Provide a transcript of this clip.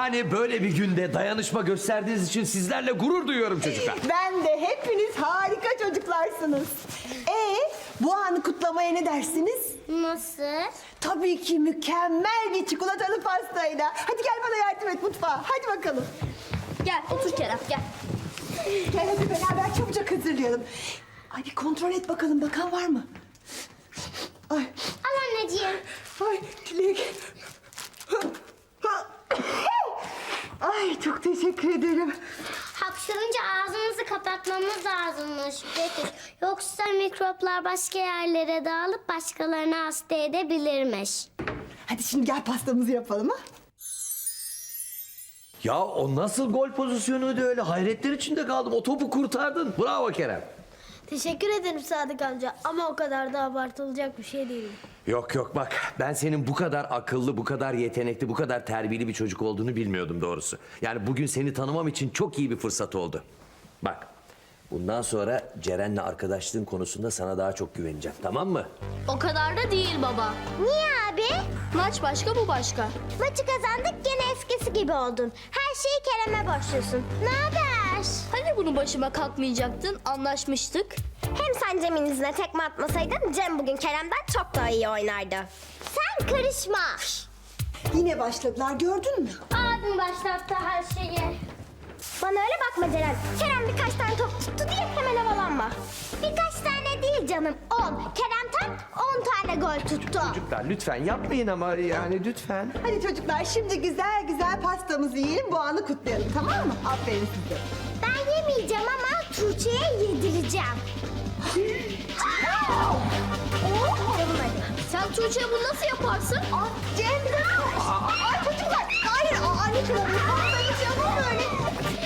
Yani böyle bir günde dayanışma gösterdiğiniz için sizlerle gurur duyuyorum çocuklar. Ben de hepiniz harika çocuklarsınız. Bu anı kutlamaya ne dersiniz? Nasıl? Tabii ki mükemmel bir çikolatalı pastayla. Hadi gel bana yardım et mutfağa. Hadi bakalım. Gel otur Kerem gel. Gel hadi beraber çabucak hazırlayalım. Ay bir kontrol et bakalım bakan var mı? Ay, Al anneciğim. ay Çilek. Ay çok teşekkür ederim. Hapşırınca ağzımızı kapatmamız lazımmış Betüş. Yoksa mikroplar başka yerlere dağılıp başkalarını hasta edebilirmiş. Hadi şimdi gel pastamızı yapalım ha. Ya o nasıl gol pozisyonuydu öyle? Hayretler içinde kaldım. O topu kurtardın. Bravo Kerem. Teşekkür ederim Sadık amca ama o kadar da abartılacak bir şey değil. Yok yok bak ben senin bu kadar akıllı, bu kadar yetenekli, bu kadar terbiyeli bir çocuk olduğunu bilmiyordum doğrusu. Yani bugün seni tanımam için çok iyi bir fırsat oldu. Bak bundan sonra Ceren'le arkadaşlığın konusunda sana daha çok güveneceğim, tamam mı? O kadar da değil baba. Niye abi? Maç başka bu başka. Maçı kazandık gene eskisi gibi oldun. Her şeyi Kerem'e borçlusun. Ne haber? Hani bunu başıma kalkmayacaktın anlaşmıştık. Hem sen Cem'in izine tekme atmasaydın Cem bugün Kerem'den çok daha iyi oynardı. Sen karışma. Yine başladılar gördün mü? Abim başlattı her şeyi. Bana öyle bakma Ceren. Kerem birkaç tane top tuttu diye hemen havalanma. Birkaç tane değil canım 10. Kerem tam 10 tane gol tuttu. Çocuklar lütfen yapmayın ama yani lütfen. Hadi çocuklar şimdi güzel güzel pastamızı yiyelim bu anı kutlayalım tamam mı? Aferin size. Ben yemeyeceğim ama Tuğçe'ye yedireceğim. Yapalım hadi. Sen Tuğçe'ye bunu nasıl yaparsın? Cem! Ay çocuklar! Hayır! Anne kılavuz! Pastanız yapın böyle!